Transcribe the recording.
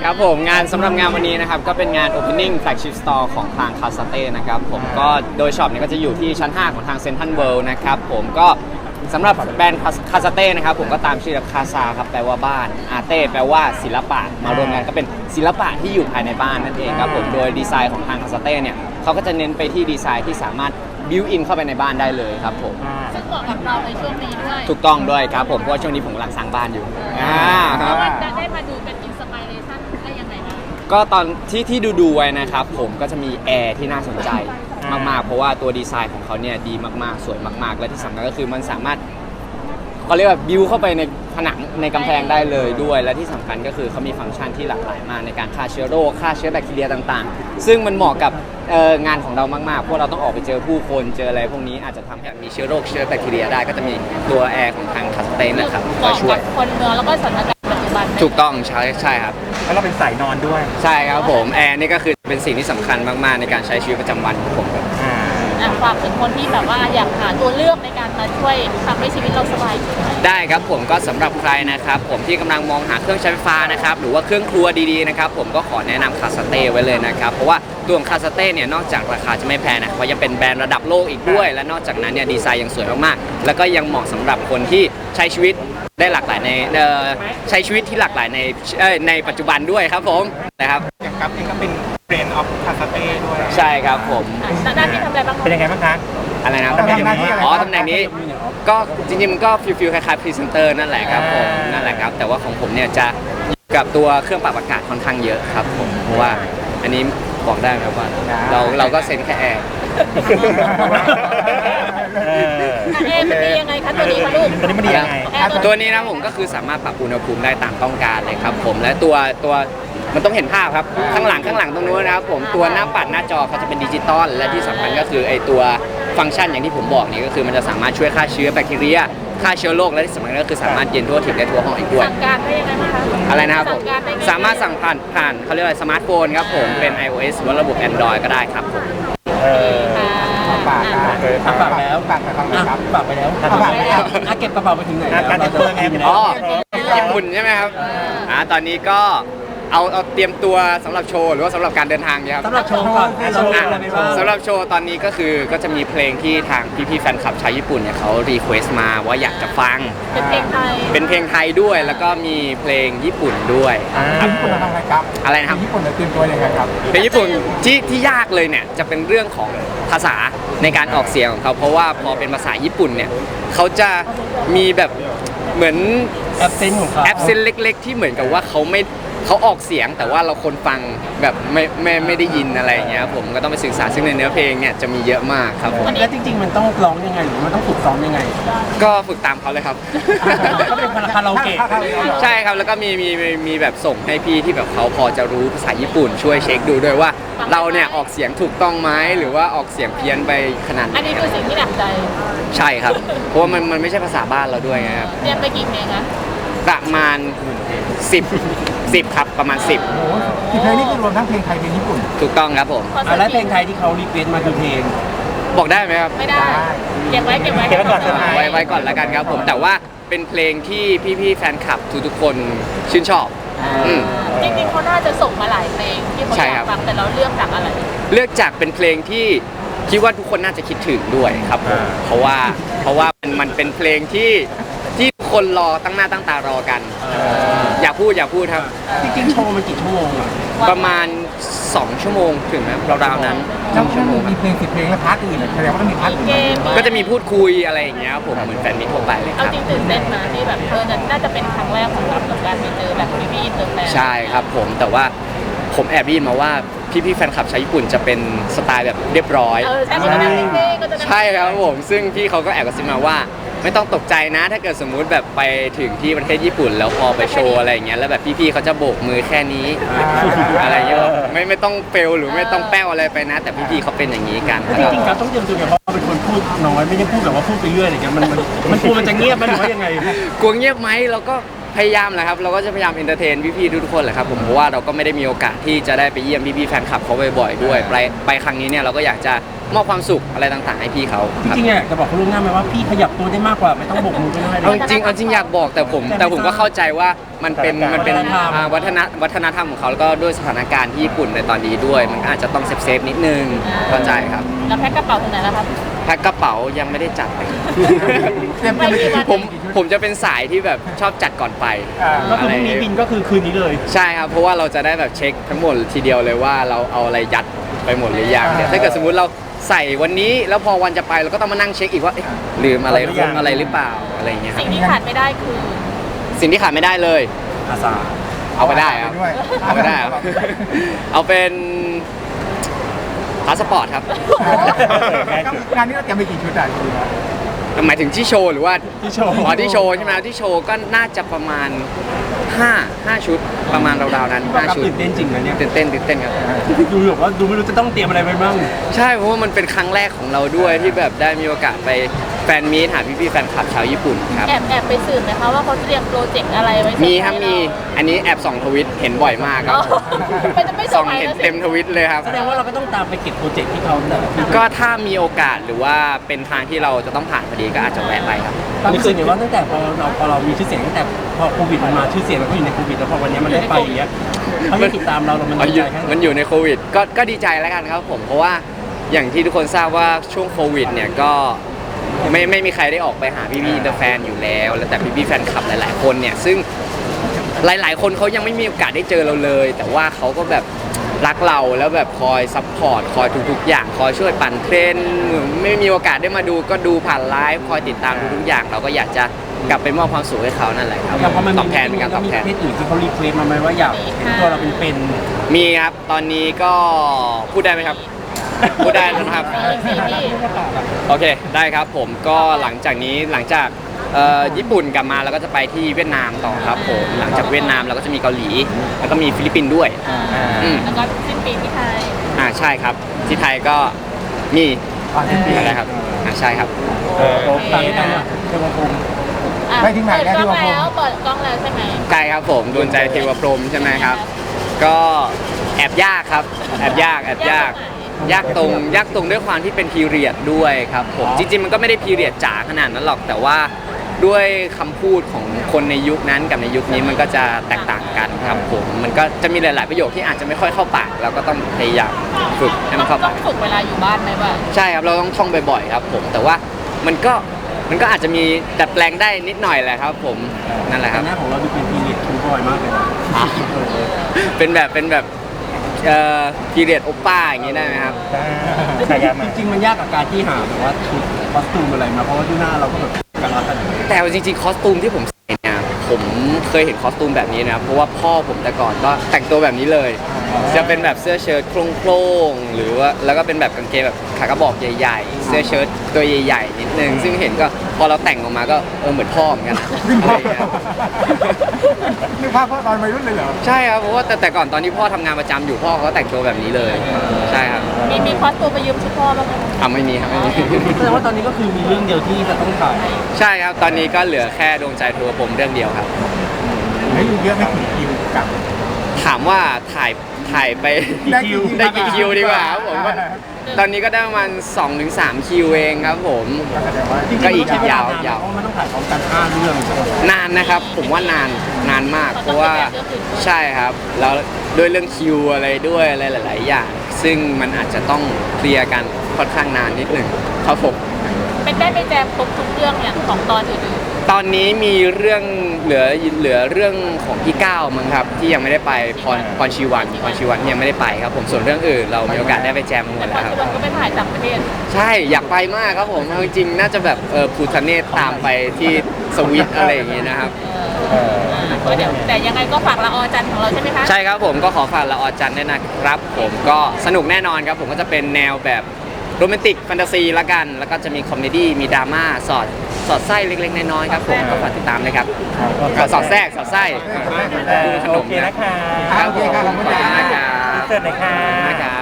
ครับผมงานสำหรับงานวันนี้นะครับก็เป็นงาน Opening Flagship Store ของทางคาสเต้นะครับผมก็โดยช็อปเนี่ยก็จะอยู่ที่ชั้น 5 ของทางเซ็นทรัลเวิลด์นะครับผมก็สำหรับแบรนด์คาสเต้นะครับผมก็ตามชื่อคาซาครับแปลว่าบ้านอาเต้แปลว่าศิลปะมารวมกันก็เป็นศิลปะที่อยู่ภายในบ้านนั่นเองครับผมโดยดีไซน์ของทางคาสเต้เนี่ยเขาก็จะเน้นไปที่ดีไซน์ที่สามารถบิวอินเข้าไปในบ้านได้เลยครับผมซึ่งเหมาะกับเราในช่วงนี้ด้วยถูกต้องด้วยครับผมเพราะว่าช่วงนี้ผมกำลังสร้างบ้านอยู่ครับจะได้มาดูเป็นอินสปิเรชันได้ยังไงบ้างก็ตอนที่ดูไว้นะครับผมก็จะมีแอร์ที่น่าสนใจมากๆเพราะว่าตัวดีไซน์ของเขาเนี่ยดีมากๆสวยมากๆและที่สำคัญก็คือมันสามารถเขาเรียกว่าบิวเข้าไปในผนังในกำแพงได้เลยด้วยและที่สำคัญก็คือเขามีฟังก์ชันที่หลากหลายมากในการฆ่าเชื้อโรคฆ่าเชื้อแบคทีเรียต่างๆซึ่งมันเหมาะกับงานของเรามากๆเพราะเราต้องออกไปเจอผู้คนเจออะไรพวกนี้อาจจะทำให้มีเชื้อโรคเชื้อแบคทีเรียได้ก็จะมีตัวแอร์ของทางคาสเต้นะครับเหมาะกับคนเมืองแล้วก็สถานการณ์ปัจจุบันถูกต้องใช่ครับแล้วเราเป็นสายนอนด้วยใช่ครับผมแอร์นี่ก็คือเป็นสิ่งที่สำคัญมากๆในการใช้ชีวิตประจำวันของผมครับฝากถึงคนที่แบบว่าอยากหาตัวเลือกในการมาช่วยทำให้ชีวิตเราสบายขึ้นได้ครับผมก็สำหรับใครนะครับผมที่กำลังมองหาเครื่องใช้ไฟฟ้านะครับหรือว่าเครื่องครัวดีๆนะครับผมก็ขอแนะนำคาสเต้ไว้เลยนะครับเพราะว่าตัวของคาสเต้เนี่ยนอกจากราคาจะไม่แพงนะเขายังเป็นแบรนด์ระดับโลกอีกด้วยและนอกจากนั้นเนี่ยดีไซน์ยังสวยมากๆแล้วก็ยังเหมาะสำหรับคนที่ใช้ชีวิตได้หลากหลายในใช้ชีวิตที่หลากหลายในปัจจุบันด้วยครับผมนะครับอย่างกับเองก็เป็นเบรนด์ออฟคาสเต้ด้วยใช่ครับผมหน้าที่ทำอะไรบ้างเป็นยังไงบ้างคะอะไรนะตำแหน่งนี้ตำแหน่งนี้ก็จริงๆมันก็ฟิลคล้ายๆพรีเซนเตอร์นั่นแหละครับผมนั่นแหละครับแต่ว่าของผมเนี่ยจะอยู่กับตัวเครื่องปรับอากาศค่อนข้างเยอะครับผมเพราะว่าอันนี้บอกได้ครับว่าเราก็เซ็นแค่แอร์มันดียังไงคะตัวนี้คะลูกตัวนี้มันดียังไงตัวนี้นะผมก็คือสามารถปรับอุณหภูมิได้ตามต้องการเลยครับผมและตัวมันต้องเห็นภาพครับข้างหลังตรงนู้นนะครับผมตัวหน้าปัดหน้าจอเขาจะเป็นดิจิตอลและที่สำคัญก็คือไอตัวฟังก์ชันอย่างที่ผมบอกนี่ก็คือมันจะสามารถช่วยฆ่าเชื้อแบคทีเรียฆ่าเชื้อโรคและที่สำคัญก็คือสามารถเย็นทั่วถึงได้ทั่วห้องอีกด้วยสั่งการได้ยังไงบ้างคะอะไรนะครับผมสามารถสั่งผ่านเขาเรียกว่าสมาร์ทโฟนครับผมเป็น iOS หรือว่าระบบ Android ก็ได้ครับผมฝากแล้วฝากไปแล้วเก็บกระเป๋าไปถึงไหนการเตรียมตัวไงญี่ปุ่นใช่ไหมครับตอนนี้ก็เอาเตรียมตัวสำหรับโชว์หรือว่าสำหรับการเดินทางเนี่ยครับสำหรับโชว์ก่อนสำหรับโชว์ตอนนี้ก็จะมีเพลงที่ทางพี่ๆแฟนคลับชาวญี่ปุ่นเนี่ยเขารีเควสต์มาว่าอยากจะฟังเป็นเพลงไทยด้วยแล้วก็มีเพลงญี่ปุ่นด้วยญี่ปุ่นทำอะไรครับอะไรนะครับญี่ปุ่นจะเตรียมตัวยังไงครับเพลงญี่ปุ่นที่ยากเลยเนี่ยจะเป็นเรื่องของภาษาในการออกเสียงของเขาเพราะว่าพอเป็นภาษาญี่ปุ่นเนี่ยเขาจะมีแบบเหมือนแอปเซนต์ของเขาแอปเซนต์เล็กๆที่เหมือนกับว่าเขาออกเสียงแต่ว่าเราคนฟังแบบไม่ได้ยินอะไรอย่างเงี้ยผมก็ต้องไปศึกษาซึ่งในเนื้อเพลงเนี่ยจะมีเยอะมากครับผมแล้วจริงๆมันต้องร้องยังไงหรือมันต้องฝึกซ้อมยังไงก็ฝึกตามเขาเลยครับก็เป็นคาราโอเกะใช่ครับแล้วก็มีแบบส่งให้พี่ที่แบบเขาพอจะรู้ภาษาญี่ปุ่นช่วยเช็คดูด้วยว่าเราเนี่ยออกเสียงถูกต้องไหมหรือว่าออกเสียงเพี้ยนไปขนาดไหนอันนี้คือสิ่งที่หนักใจใช่ครับเพราะว่ามันไม่ใช่ภาษาบ้านเราด้วยครับเรียนไปกี่เพลงอะประมาณ10ครับประมาณ10 เพลงนี้คือรวมทั้งเพลงไทยเพลงญี่ปุ่นถูกต้องครับผมแล้วเพลงไทยที่เขารีเควสต์มาคือเพลงบอกได้ไหมครับไม่ได้เก็บไว้ก่อนไว้ก่อนแล้วกันครับผมแต่ว่าเป็นเพลงที่พี่ๆแฟนคลับทุกๆคนชื่นชอบจริงๆเขาน่าจะส่งมาหลายเพลงที่เขาอยากฟังแต่เราเลือกจากอะไรเลือกจากเป็นเพลงที่คิดว่าทุกคนน่าจะคิดถึงด้วยครับผมเพราะว่ามันเป็นเพลงที่คนรอตั้งหน้าตั้งตารอกันอยากพูดครับจริงๆโชว์มันกี่ชั่วโมงอะประมาณ2 ชั่วโมงถึงไหมราวๆนั้น 2 ชั่วโมงมีเพลง10 เพลงและพาร์ทอื่นแสดงว่าต้องมีพาร์ทอื่นก็จะมีพูดคุยอะไรอย่างเงี้ยผมเหมือนแฟนมิตรทั่วไปเลยครับเอาจริงตื่นเต้นนะที่แบบน่าจะเป็นครั้งแรกของเรากับการไปเจอแบบพี่ๆอินเตอร์แฟนใช่ครับผมแต่ว่าผมแอบได้ยินมาว่าพี่แฟนคลับชาวญี่ปุ่นจะเป็นสไตล์แบบเรียบร้อยใช่ครับผมซึ่งพี่เขาก็แอบกระซิบมาว่าไม่ต้องตกใจนะถ้าเกิดสมมุติแบบไปถึงที่ประเทศญี่ปุ่นแล้วพอไปโชว์อะไรอย่างเงี้ยแล้วแบบพี่ๆเขาจะโบกมือแค่นี้อะไรเงี้ยไม่ต้องเฟลหรือไม่ต้องแป้วอะไรไปนะแต่พี่ๆเขาเป็นอย่างนี้กันจริงๆการต้องเตรียมตัวเพราะเป็นคนพูดน้อยไม่ใช่พูดแบบว่าพูดไปเรื่อยอะไรเงี้ยมันกลัวมันจะเงียบมันหรือว่ายังไงกลัวเงียบไหมเราก็พยายามแหละครับเราก็จะพยายามเอนเตอร์เทนพี่ๆทุกคนแหละครับผมเพราะว่าเราก็ไม่ได้มีโอกาสที่จะได้ไปเยี่ยมพี่ๆแฟนคลับเขาบ่อยๆด้วยไปครั้งนี้เนี่ยเราก็อยากจะมอบความสุขอะไรต่างๆให้พี่เขาจครับริงๆเนี่ยจะบอกเขาล่วงหน้าไหมว่าพี่ขยับตัวได้มากกว่าไม่ต้องโบกมือก็ได้เอาจริงอยากบอกแต่ผมก็เข้าใจว่ามันเป็นวัฒนธรรมของเขาแล้วก็ด้วยสถานการณ์ที่ญี่ปุ่นในตอนนี้ด้วย มันก็อาจจะต้องเซฟนิดนึงเข้าใจครับแล้วแพ็คกระเป๋าถึงไหนแล้วครับแพ็คกระเป๋ายังไม่ได้จัดเลยไม่กี่วันผมจะเป็นสายที่แบบชอบจัดก่อนไปก็คือพรุ่งนี้บินก็คือคืนนี้เลยใช่ครับเพราะว่าเราจะได้แบบเช็คทั้งหมดทีเดียวเลยว่าเราเอาอะไรยัดไปหมดหรือยังเนี่ยถ้าเกิดสมมุติเราใส่วันนี้แล้วพอวันจะไปเราก็ต้องมานั่งเช็คอีกว่าเอ๊ะลืมอะไรคงอะไรหรือเปล่าอะไรอย่างเงี้ยครับสิ่งที่ขาดไม่ได้คือสิ่งที่ขาดไม่ได้เลยอาสาเอาไปได้ครับด้วยเอาไปได้ครับเอาเป็นพาสปอร์ตครับงานนี้เราเตรียมไปกี่ชุดอ่ะหมายถึงที่โชว์หรือว่าที่โชว์อ๋อที่โชว์ใช่ไหมที่โชว์ก็น่าจะประมาณ5ชุดประมาณราวๆนั้น5ชุดตื่นเต้นจริงนะเนี่ยตื่นเต้นครับดูแบบว่าดูไม่รู้จะต้องเตรียมอะไรไปบ้างใช่เพราะว่ามันเป็นครั้งแรกของเราด้วยที่แบบได้มีโอกาสไปแฟนมีตหาพี่ๆแฟนคลับชาวญี่ปุ่นครับแอบไปสืบไหมคะว่าเขาเตรียมโปรเจกต์อะไรไว้มีครับมีอันนี้แอบส่องทวิตเห็นบ่อยมากครับมันจะไม่เซอส่อร์งไพรส์เห็นแล้วสิเต็มทวิตเลยครับแสดงว่าเราก็ต้องตามไปเก็บโปรเจกต์ที่เขาแต่ละที่ก็ถ้ามีโอกาสหรือว่าเป็นทางที่เราจะต้องผ่านพอดีก็อาจจะแวะไปครับเรารู้สึกไงว่าตั้งแต่พอเรามีชื่อเสียงตั้งแต่พอโควิดมันมาชื่อเสียงเราก็อยู่ในโควิดแล้วพอวันนี้มันได้ไปอย่างเงี้ยเขายังติดตามเรามันอ๋อดีอยู่ใจแค่ไหนมันอยู่ในโควิดก็ดีใจแล้วกันครับผมเพราะว่าอย่างที่ทุกคนทราบว่าช่วงโควิดเนี่ยก็ไม่มีใครได้ออกไปหาพี่ๆอินเตอร์แฟนอยู่แล้วแต่พี่ๆแฟนคลับหลายๆคนเนี่ยซึ่งหลายๆคนเขายังไม่มีโอกาสได้เจอเราเลย แต่ว่าเขาก็แบบรักเราแล้วแบบคอยซัพพอร์ตคอยทุกๆอย่างคอยช่วยปั่นเทรนด์ไม่มีโอกาสได้มาดูก็ดูผ่านไลฟ์คอยติดตามทุกๆอย่างเราก็อยากจะกลับไปมอบความสุขให้เขานั่นแหละครับแต่พอมันตอบแทนเป็นการตอบแทนมีประเทศอื่นที่เขารีเควสมาไหมว่าอยากเห็นตัวเราเป็นมีครับ ตอนนี้ก็พูดได้ไหมครับ พูดได้แล้วนะครับมีพี่โอเค ได้ครับผมก็หลังจากญี่ปุ่นกลับมาเราก็จะไปที่เวียดนามต่อครับผมหลังจากเวียดนามเราก็จะมีเกาหลี แล้วก็มีฟิลิปปินส์ด้วย อืมแล้วก็สิ้นปีที่ไทยใช่ครับ ที่ไทยก็มีอะไรครับใช่ครับๆต่างกันอ่ะเทวพรหมอ่ะไปถึงไหนเปิดแล้วกล้องที่ว่าแล้วเปิดกล้องแล้วใช่ไหมใช่ครับผมดวงใจเทวพรหมใช่ไหมครับ ก็แอบยากครับแอบยากยากตรงด้วยความที่เป็นพีเรียดด้วยครับผมจริงๆมันก็ไม่ได้พีเรียดจ๋าขนาดนั้นหรอกแต่ว่าด้วยคำพูดของคนในยุคนั้นกับในยุคนี้มันก็จะแตกต่างกันครับผมมันก็จะมีหลาย ๆ ประโยคที่อาจจะไม่ค่อยเข้าปากเราก็ต้องพยายามฝึกให้มันเข้าต้ปาอก งฝึกเวลาอยู่บ้านไหมว่าใช่ครับเราต้องท่องบ่อยๆครับผมแต่ว่ามันก็อาจจะมีดัดแปลงได้นิดหน่อยแหละครับผมนั่นแหละคแต่รับหน้าของเราดูเป็นพีเรียดทูบอยมากเลยนะเป็นแบบพีเรียดโอป้าอย่างนี้ได้ไหมครับขยันมาจริงๆมันยากกับการที่หาแบบว่าชุดคอสตูมอะไรมาเพราะว่าดูหน้าเราก็แบบกันรัดกันแต่จริงๆคอสตูมที่ผมใส่เนี่ยผมเคยเห็นคอสตูมแบบนี้นะครับเพราะว่าพ่อผมแต่ก่อนก็แต่งตัวแบบนี้เลย จะเป็นแบบเสื้อเชิ้ตโคร่งๆหรือว่าแล้วก็เป็นแบบกางเกงแบบขากระบอกใหญ่ๆ เสื้อเชิ้ตตัวใหญ่ๆนิดนึงซึ่งเห็นก็พอเราแต่งออกมาก็เหมือนพ่อเหมือนกันอะไรอย่างเงี้ยนึกภาพพ่อตอนวัยรุ่นเลยเหรอใช่ครับเพราะว่าแต่ก่อนตอนที่พ่อทำงานประจำอยู่พ่อเขาก็แต่งตัวแบบนี้เลยใช่ครับมีคอสตูมไปยืมชุดพ่อบ้างไหมไม่มีครับไม่มีแสดงว่าตอนนี้ก็คือมีเรื่องเดียวที่จะต้องถ่ายใช่ครับตอนนี้ก็เหลือแค่ดวงใจทัวร์ผมเรื่องเดียวครับไม่เยอะไม่ถึงคิวกลับถามว่าถ่ายไป ได้กี่คิวดีกว่าครับผมว่าตอนนี้ก็ได้ประมาณ 2-3 คิวเองครับผมก็แสดงว่าก็อีกยาวเพราะมันต้องถ่ายพร้อมกัน5เรื่องนานนะครับผมว่านานมาก เพราะว่าใช่ครับแล้วด้วยเรื่องคิวอะไรด้วยอะไรหลาย ๆ อย่าง ซึ่งมันอาจจะต้องเคลียร์กันค่อนข้างนานนิดหนึ่งครับผมเป็นได้ไปแจมครบทุกเรื่องอย่างของตอนอื่นตอนนี้มีเรื่องเหลือเรื่องของพี่ก้าวมั้งครับที่ยังไม่ได้ไปพรชีวันที่ยังไม่ได้ไปครับผมส่วนเรื่องอื่นเรามีโอกาสได้ไปแจมๆหมแต่ดพอแล้วครับทุกวันก็ไปถ่ายต่างประเทศใช่อยากไปมากครับผมเอาจริงๆน่าจะแบบภูทะเนศตามไปที่สวิตอะไรอย่างงี้นะครับก็เดี๋ยวแต่ยังไงก็ฝากละออจันทร์ของเราใช่ไหมคะใช่ครับผมก็ขอฝากละออจันทร์ด้วยนะครับ ผมก็สนุกแน่นอนครับผมก็จะเป็นแนวแบบโรแมนติกแฟนตาซีละกัน แล้วก็จะมีคอมเมดี้มีดราม่าสอดไส้เล็กๆน้อยๆครับผมก็ฝากติดตามเลยครับสอดแทรกสอดไส้ดูขนมนะโอเคครับขอบคุณนะครับเกิดไหนคะนะครับ